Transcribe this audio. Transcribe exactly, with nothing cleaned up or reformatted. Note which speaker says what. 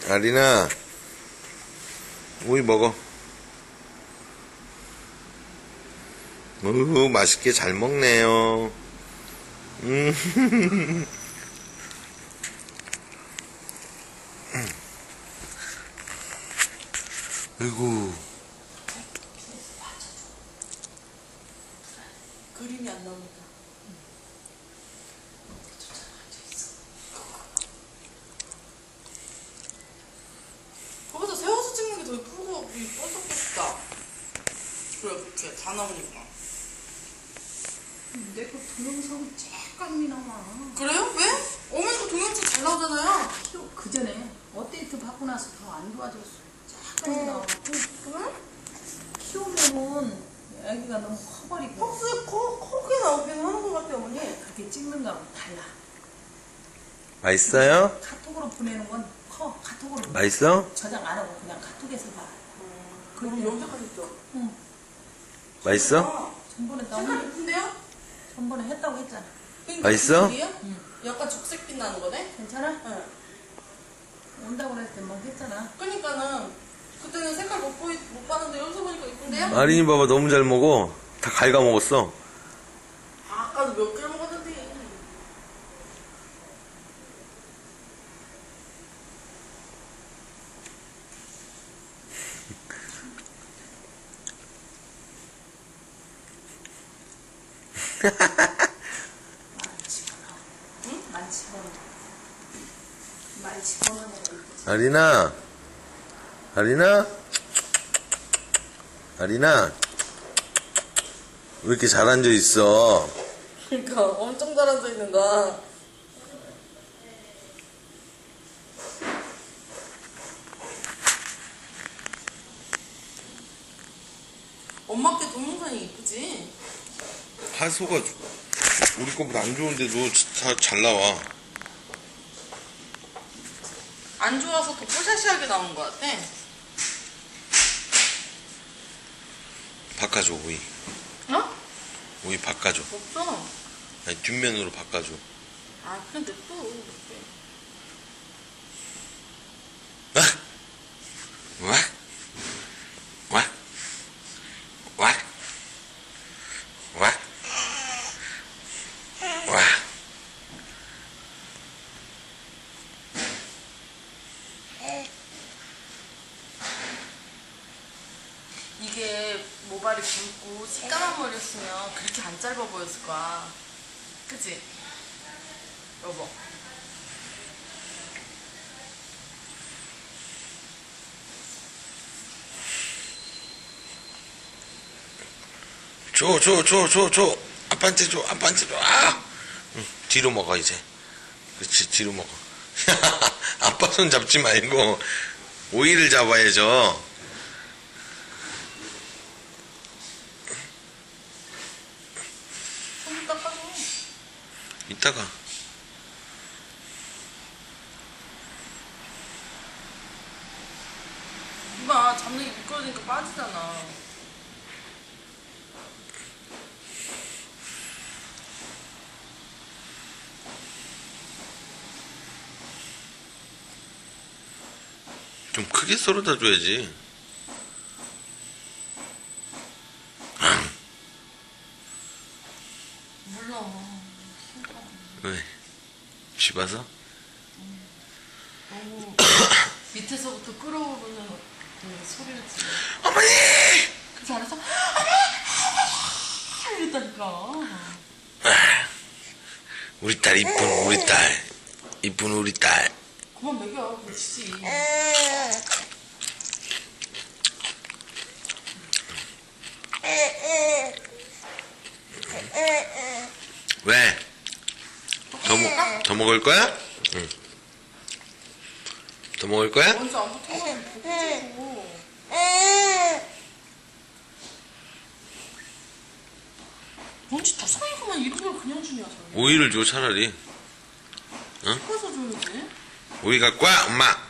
Speaker 1: 아리나, 우유 먹어. 우후, 맛있게 잘 먹네요. 음. 아이고.
Speaker 2: 그림이 안 나옵니다. 거기서 세워서 찍는 게 더 예쁘고 뻔쩍뻔쩍다. 그래, 이렇게 다 나오니까.
Speaker 3: 내 그 동영상은 쬐깐이 나와.
Speaker 2: 그래요? 왜? 어머니도 동영상 잘 나오잖아요.
Speaker 3: 그 전에 업데이트 받고 나서 더 안 좋아졌어. 쬐깐이 나와.
Speaker 2: 그래?
Speaker 3: 키우면은 애기가 너무 커버리고
Speaker 2: 퍽스 커, 크게 나오긴 하는 것 같아요, 어머니.
Speaker 3: 그렇게 찍는 거하고 달라.
Speaker 1: 맛있어요?
Speaker 3: 카톡으로 보내는 건 커. 카톡으로
Speaker 1: 맛있어?
Speaker 3: 저장 안 하고 그냥 카톡에서 봐.
Speaker 2: 그럼 염색하셨죠?
Speaker 3: 응.
Speaker 1: 맛있어?
Speaker 2: 아,
Speaker 3: 전번에
Speaker 2: 색깔
Speaker 3: 나온
Speaker 2: 예쁜데요?
Speaker 3: 전번에 했다고 했잖아.
Speaker 2: 그러니까
Speaker 1: 맛있어?
Speaker 2: 그 색이에요?
Speaker 3: 응.
Speaker 2: 약간 적색빛 나는 거네?
Speaker 3: 괜찮아?
Speaker 2: 응.
Speaker 3: 온다고 그랬을 때 막 했잖아.
Speaker 2: 그러니까는 그때는 색깔 못, 보이, 못 봤는데 여기서 보니까 예쁜데요?
Speaker 1: 아린이 봐봐, 너무 잘 먹어. 다 갉아 먹었어.
Speaker 2: 아, 아까도 몇 개를 먹었는데.
Speaker 3: 많이 집어넣어. 응? 많이 집어넣어. 많이 집어넣어야 이쁘지.
Speaker 1: 아리나, 아리나, 아리나, 왜 이렇게 잘 앉아 있어?
Speaker 2: 그러니까 엄청 잘 앉아 있는 거야. 엄마께 동영상이 이쁘지?
Speaker 1: 하소가 우리 거보다 안 좋은데도 다 잘 나와.
Speaker 2: 안 좋아서 더 뽀샤시하게 나온 것 같아.
Speaker 1: 바꿔줘, 오이.
Speaker 2: 어?
Speaker 1: 오이 바꿔줘.
Speaker 2: 없어.
Speaker 1: 아니, 뒷면으로 바꿔줘.
Speaker 2: 아, 그냥 냅둬.
Speaker 1: 와? 와? 와? 와? 와? 와?
Speaker 2: 이게 모발이 굵고 시까만 머리였으면 그렇게 안 짧아 보였을 거야. 그치? 여보.
Speaker 1: 줘, 줘, 줘, 줘, 줘. 아빠한테 줘, 아빠한테 줘. 아! 응, 뒤로 먹어, 이제. 그렇지, 뒤로 먹어. 아빠 손 잡지 말고, 오이를 잡아야죠.
Speaker 2: 손 닦아줘.
Speaker 1: 이따가.
Speaker 2: 이봐, 잡는 게 미끄러지니까 빠지잖아.
Speaker 1: 좀 크게 썰어다 줘야지.
Speaker 2: 몰라.
Speaker 1: 왜? 씹어서?
Speaker 2: 너무 밑에서부터 끓어오르는 그 소리를 지르.
Speaker 1: 어머니!
Speaker 2: 그래서 안에서 이랬다니까.
Speaker 1: 우리 딸, 이쁜 우리 딸. 이쁜 우리 딸.
Speaker 2: 그만 먹여. 그렇지.
Speaker 1: 왜? 더, 먹, 더 먹을 거야? 응. 더 먹을 거야?
Speaker 2: 먼저 안 붙어가면 보고. 뭔지 투성이구만. 이런 걸 그냥 주냐, 저기.
Speaker 1: 오이를 줘, 차라리.
Speaker 2: 섞어서 줘야지.
Speaker 1: 오이 갖고 와, 엄마.